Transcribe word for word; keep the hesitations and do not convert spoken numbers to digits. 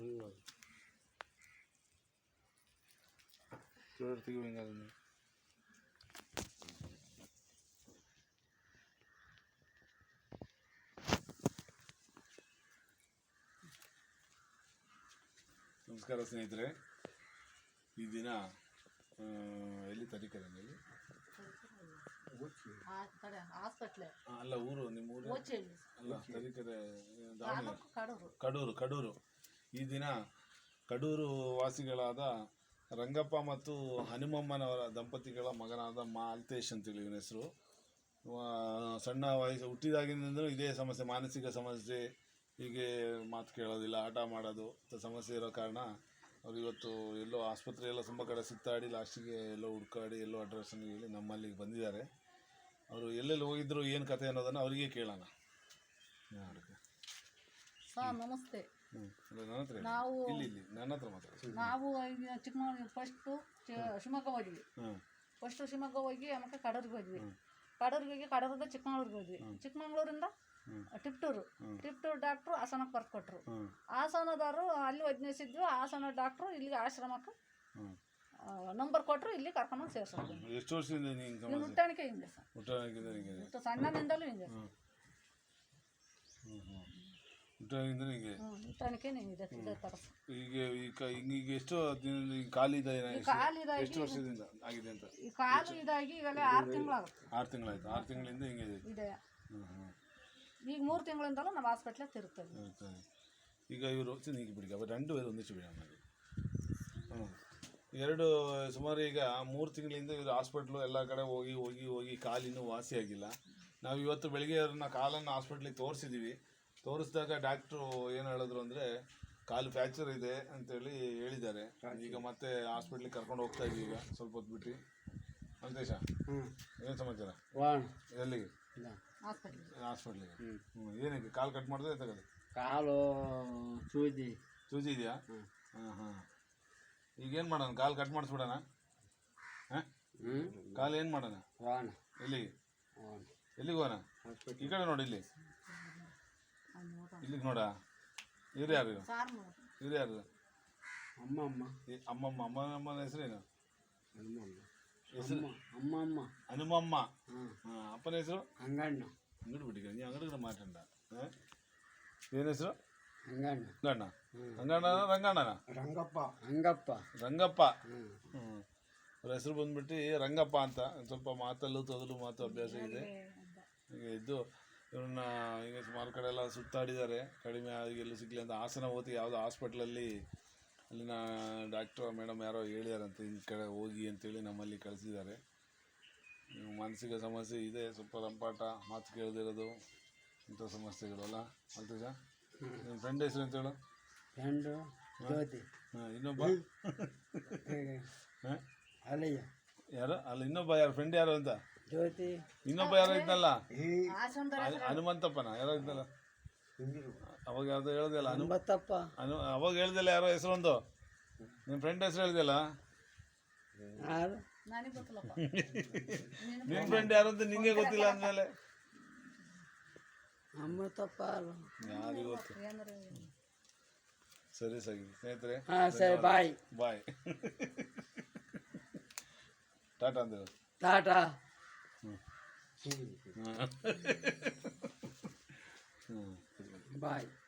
ಚೋರ್ತಿಗೆ ಹಿಂಗಾದ ನಮಸ್ಕಾರ ಸ್ನೇಹಿತರೆ. ಈ ದಿನ ಎಲ್ಲಿ ತರೀಕರಲ್ಲಿ ಅಲ್ಲ ಊರು ನಿಮ್ಮ ಊರು ಅಲ್ಲ ತರೀಕೆರೆ ಕಡೂರು ಕಡೂರು ಈ ದಿನ ಕಡೂರು ವಾಸಿಗಳಾದ ರಂಗಪ್ಪ ಮತ್ತು ಹನುಮಮ್ಮನವರ ದಂಪತಿಗಳ ಮಗನಾದ ಮಾಲ್ತೇಶ್ ಅಂತೇಳಿ ಇವನ ಹೆಸರು. ಸಣ್ಣ ವಯಸ್ಸು ಹುಟ್ಟಿದಾಗಿನಿಂದಲೂ ಇದೇ ಸಮಸ್ಯೆ, ಮಾನಸಿಕ ಸಮಸ್ಯೆ, ಹೀಗೆ ಮಾತು ಕೇಳೋದಿಲ್ಲ, ಆಟ ಮಾಡೋದು ಸಮಸ್ಯೆ ಇರೋ ಕಾರಣ ಅವ್ರು ಇವತ್ತು ಎಲ್ಲೋ ಆಸ್ಪತ್ರೆ ಎಲ್ಲ ತುಂಬ ಕಡೆ ಸುತ್ತಾಡಿ ಲಾಸ್ಟಿಗೆ ಎಲ್ಲೋ ಹುಡ್ಕಾಡಿ ಎಲ್ಲೋ ಅಡ್ರೆಸ್ಸನ್ನು ಹೇಳಿ ನಮ್ಮಲ್ಲಿಗೆ ಬಂದಿದ್ದಾರೆ. ಅವರು ಎಲ್ಲೆಲ್ಲಿ ಹೋಗಿದ್ರು ಏನು ಕತೆ ಅನ್ನೋದನ್ನು ಅವರಿಗೆ ಕೇಳೋಣ. ಸರ್ ನಮಸ್ತೆ. ನನ್ನ ಹತ್ರ ನಾವು ಇಲ್ಲಿ ಇಲ್ಲಿ ನನ್ನ ಹತ್ರ ಮಾತಾಡಿ. ನಾವು ಚಿಕ್ಕಮಗಳೂರು ಫಸ್ಟು ಶಿವಮೊಗ್ಗ ಹೋದ್ವಿ. ಫಸ್ಟು ಶಿವಮೊಗ್ಗ ಹೋಗಿ ಆಮೇಲೆ ಕಡೂರಿಗೆ ಹೋದ್ವಿ. ಕಡೂರಿಗೆ ಹೋಗಿ ಕಡೂರಿಂದ ಚಿಕ್ಕಮಗಳೂರಿಗೆ ಹೋದ್ವಿ. ಚಿಕ್ಕಮಗಳೂರಿಂದ ಟಿಪ್ಟೂರು ಟಿಪ್ಟೂರು ಡಾಕ್ಟ್ರು ಹಾಸನಕ್ಕೆ ಬರ್ದು ಕೊಟ್ಟರು. ಹಾಸನದವರು ಅಲ್ಲಿ ವೈದ್ಯಸಿದ್ವಿ. ಹಾಸನ ಡಾಕ್ಟ್ರು ಇಲ್ಲಿಗೆ ಆಶ್ರಮಕ್ಕೆ ನಂಬರ್ ಕೊಟ್ಟರು, ಇಲ್ಲಿ ಕರ್ಕೊಂಡೋಗಿ ಸೇರಿಸೋದು. ಎಷ್ಟು ವರ್ಷದಿಂದ ಹುಟ್ಟಾಣಿಕೆ ಹಿಂಗೆ ಸರ್, ಸಣ್ಣನಿಂದಲೂ ಹಿಂಗೆ ಹುಟ್ಟಾಣಿಕೆ ಇದೆ ಇದೇ ಥರ. ಈಗ ಈಗ ಎಷ್ಟು ಕಾಲಿದೆ ಎಷ್ಟು ವರ್ಷದಿಂದ ಆಗಿದೆ ಅಂತ? ಈ ಕಾಲು ಇದಾಗಿ ಇವೆಲ್ಲ ಆರು ತಿಂಗಳಾಗುತ್ತೆ. ಆರು ತಿಂಗಳಾಯ್ತು. ಆರು ತಿಂಗಳಿಂದ ಹಿಂಗೆ ಇದೆ. ಈಗ ಮೂರು ತಿಂಗಳಿಂದಲೂ ನಾವು ಹಾಸ್ಪಿಟ್ಲಿಗೆ ತಿರುಗ್ತೇವೆ. ಈಗ ಇವರು ಈಗ ಬಿಡಿ ಅವರು రెండు వేలు ಒಂದಿಷ್ಟು ಬಿಡಿ ಆಮೇಲೆ ಹ್ಞೂ ಎರಡು ಸುಮಾರು ಈಗ ಮೂರು ತಿಂಗಳಿಂದ ಇವರು ಹಾಸ್ಪಿಟ್ಲು ಎಲ್ಲ ಕಡೆ ಹೋಗಿ ಹೋಗಿ ಹೋಗಿ ಕಾಲಿನೂ ವಾಸಿಯಾಗಿಲ್ಲ. ನಾವು ಇವತ್ತು ಬೆಳಿಗ್ಗೆ ಅವ್ರನ್ನ ಕಾಲನ್ನು ಹಾಸ್ಪಿಟ್ಲಿಗೆ ತೋರಿಸಿದ್ದೀವಿ. ತೋರಿಸಿದಾಗ ಡಾಕ್ಟ್ರು ಏನು ಹೇಳಿದ್ರು ಅಂದರೆ ಕಾಲು ಫ್ರ್ಯಾಕ್ಚರ್ ಇದೆ ಅಂತೇಳಿ ಹೇಳಿದ್ದಾರೆ. ಈಗ ಮತ್ತೆ ಹಾಸ್ಪಿಟ್ಲಿಗೆ ಕರ್ಕೊಂಡು ಹೋಗ್ತಾ ಇದ್ದೀವಿ. ಈಗ ಸ್ವಲ್ಪ ಹೊತ್ತು ಬಿಟ್ಟು ಸಂತೇಶ ಏನು ಸಮಾಚಾರ? ಎಲ್ಲಿಗೆ? ಹಾಸ್ಪಿಟ್ಲಿಗೆ. ಹ್ಞೂ ಏನಕ್ಕೆ ಕಾಲು ಕಟ್ ಮಾಡಿದ್ರೆ ತಗೋದು? ಕಾಲು ಸೂಜಿ ಸೂಜಿ ಇದೆಯಾ? ಹಾಂ ಹಾಂ ಈಗೇನು ಮಾಡೋಣ? ಕಾಲು ಕಟ್ ಮಾಡಿಸ್ಬಿಡೋಣ? ಹಾಂ ಕಾಲು ಏನು ಮಾಡೋಣ? ಎಲ್ಲಿಗೆ ಎಲ್ಲಿಗೆ ಹೋಗೋಣ? ಈ ಕಡೆ ನೋಡಿ, ಇಲ್ಲಿ ಇಲ್ಲಿಗೆ ನೋಡ. ಇವ್ರು ಯಾರು? ಇವ್ರು ಯಾರು? ಅಮ್ಮಮ್ಮ ಅಮ್ಮಮ್ಮ ಅಮ್ಮಮ್ಮನ ಹೆಸರೇನು? ಹೆಸರು ಅಮ್ಮಮ್ಮ ಹನುಮಮ್ಮ. ಹಾಂ ಅಪ್ಪನ ಹೆಸರು? ಅಂಗಣ್ಣ. ಅಂಗಡಿ ಬಿಟ್ಟಿಗ ನೀವು ಅಂಗಡಿಗೆ ಮಾತಾಡ. ಹಾಂ ಏನು ಹೆಸರು? ಅಂಗಣ್ಣ. ಅಂಗಣ್ಣ ಅಂಗಣ್ಣನ ರಂಗಣ್ಣನ? ರಂಗಪ್ಪ. ರಂಗಪ್ಪ ರಂಗಪ್ಪ. ಹ್ಞೂ ಅವ್ರ ಹೆಸರು ಬಂದ್ಬಿಟ್ಟು ರಂಗಪ್ಪ ಅಂತ. ಸ್ವಲ್ಪ ಮಾತಲ್ಲೂ ತೊದಲು ಮಾತು ಅಭ್ಯಾಸ ಇದೆ. ಈಗ ಇದ್ದು ಇವ್ರನ್ನ ಈಗ ಸುಮಾರು ಕಡೆ ಎಲ್ಲ ಸುತ್ತಾಡಿದ್ದಾರೆ, ಕಡಿಮೆ ಆಗೆಲ್ಲೂ ಸಿಗಲಿ ಅಂತ. ಹಾಸನ ಹೋಗಿ ಯಾವುದೋ ಹಾಸ್ಪಿಟ್ಲಲ್ಲಿ ಅಲ್ಲಿನ ಡಾಕ್ಟ್ರು ಮೇಡಮ್ ಯಾರೋ ಹೇಳಿದಾರಂತೆ ಈ ಕಡೆ ಹೋಗಿ ಅಂತೇಳಿ ನಮ್ಮಲ್ಲಿ ಕಳಿಸಿದ್ದಾರೆ. ಮಾನಸಿಕ ಸಮಸ್ಯೆ ಇದೆ, ಸ್ವಲ್ಪ ರಂಪಾಟ, ಮಾತು ಕೇಳದಿರೋದು, ಇಂಥ ಸಮಸ್ಯೆಗಳಲ್ಲ. ಅಲ್ತೇಶ ನಿಮ್ಮ ಫ್ರೆಂಡ್ ಹೆಸರು ಅಂತ ಹೇಳು? ಫ್ರೆಂಡು ಜ್ಯೋತಿ. ಹಾಂ ಇನ್ನೊಬ್ಬ ಹಾಂ ಅಲ್ಲಯ್ಯ ಯಾರು? ಅಲ್ಲ ಇನ್ನೊಬ್ಬ ಯಾರು ಫ್ರೆಂಡ್ ಯಾರು ಅಂತ? ಜ್ಯೋತಿ. ಇನ್ನೊಬ್ಬ ಯಾರೋ ಇದ್ನಲ್ಲ, ಹನುಮಂತಪ್ಪನ ಯಾರೋ ಇದ್ನಲ್ಲ ಅವಾಗ ಯಾವ್ದು ಹೇಳ್ದಲ್ಲ? ಹನುಮಂತಪ್ಪ. ಅನು ಅವಾಗ ಹೇಳ್ದಿಲ್ಲ ಯಾರೋ ಹೆಸರು ಒಂದು ನಿಮ್ಮ ಫ್ರೆಂಡ್ ಹೆಸರು ಹೇಳ್ದಿಲ್ಲ? ನಿಮ್ಮ ಫ್ರೆಂಡ್ ಯಾರು ಅಂತ ನಿಂಗೆ ಗೊತ್ತಿಲ್ಲ ಅಂದಮೇಲೆ ಅಮೃತಪ್ಪ ಯಾರಿಗೆ ಗೊತ್ತು? ಸರಿ ಸರಿ ಸ್ನೇಹಿತರೆ, ಸರಿ ಬಾಯ್ ಬಾಯ್ ಟಾಟಾ ಅಂದ್ರೆ ಟಾಟಾ. ಹ್ಞೂ ಬಾಯ್.